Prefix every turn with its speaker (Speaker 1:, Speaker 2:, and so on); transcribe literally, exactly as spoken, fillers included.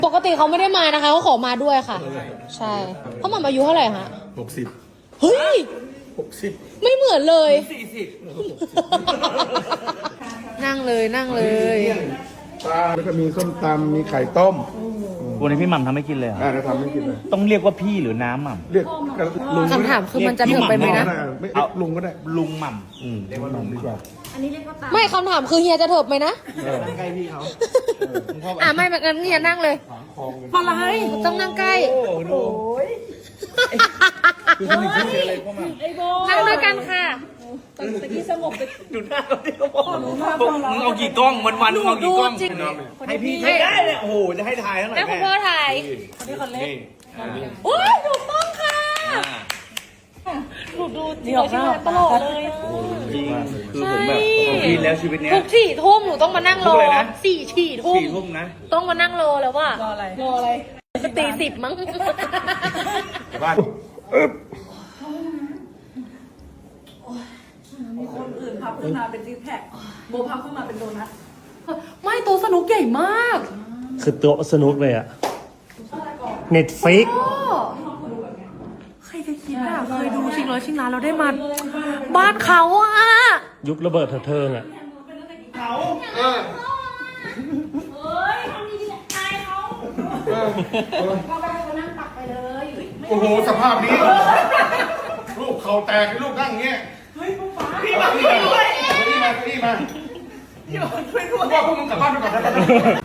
Speaker 1: ปกติเขาไม่ได้มานะคะเขาขอมาด้วยค่ะใช่เขาหม่ำอายุเท่าไหร่ฮะ
Speaker 2: หกสิบ
Speaker 1: เฮ้ย
Speaker 2: หกสิบ
Speaker 1: ไม่เหมือนเลย
Speaker 2: สี่สิบ
Speaker 1: นั่งเลยนั่งเลย
Speaker 2: ปลาแล้วก็มีส้มตำมีไข่ต้ม
Speaker 3: วันนี้พี่หม่ำทำให้กินเลยเหรอ
Speaker 2: อ่าจะทำให้กินเลย
Speaker 3: ต้องเรียกว่าพี่หรือน้ำหม่ำ
Speaker 2: เรียกลุง
Speaker 1: คำถามคือมันจะถึงไปไหมนะ
Speaker 2: ไม่ลุงก็ได้
Speaker 3: ลุงหม่ำ
Speaker 2: อืมเรียกว่าลุงดีกว่า
Speaker 1: ไม่คำถามคือเฮียจะเถิบไหมนะ
Speaker 2: ใกล้พี่เขา
Speaker 1: อ่ะไม่งั้นเฮียนั่งเลยอะไรต้องนั่งใกล้นั่งด้วยกันค่ะ
Speaker 3: ดูหน้าเขาที่เขาบอกมึงเอากี่กล้องวันวันมึงเอากี่กล้องให้พี่ไม่ได้เลยโอ้โหจะให้ถ่ายเท่าไหร่
Speaker 1: ให้คุณพ่อถ่ายโอ้ยถูกต้องค่ะหนูดูจริงๆตลอดเลย
Speaker 3: จริงคือผมแบบกินแล้วชีวิตเนี้ย
Speaker 1: ทุกสี่ทุ่มหนูต้องมานั่งรอสี่ฉี่ทุ่ม
Speaker 3: สี่ทุ่มนะ
Speaker 1: ต้องมานั่งรอแล้วว่ะรออะไรรออะไรตีสิบมั้ง
Speaker 2: บ้าน
Speaker 4: มีคนอื่นพับขึ้นมาเป็นซิกแพคโบพับขึ้นมาเป็นโดนัท
Speaker 1: ไม่โต๊ะสนุกใหญ่มาก
Speaker 5: คือโต๊ะสนุกเลยอะเน็ตฟิก
Speaker 1: ใครจะคิดอ่ะเคยดูชิงร้อยชิงล้านเราได้มาบ้านเขาอ่ะ
Speaker 5: ยุคระเบิดเถิดเทิงอะ
Speaker 2: โอ้โหสภาพนี้ลูกเขาแตกลูกนั่งเงี้ยเฮ้ยป๊าพี่มาพี่มาพี่มาพี่มาพี่มาช่วยด้วยว่าพวกมึงกลับบ้านไปก่อนนะ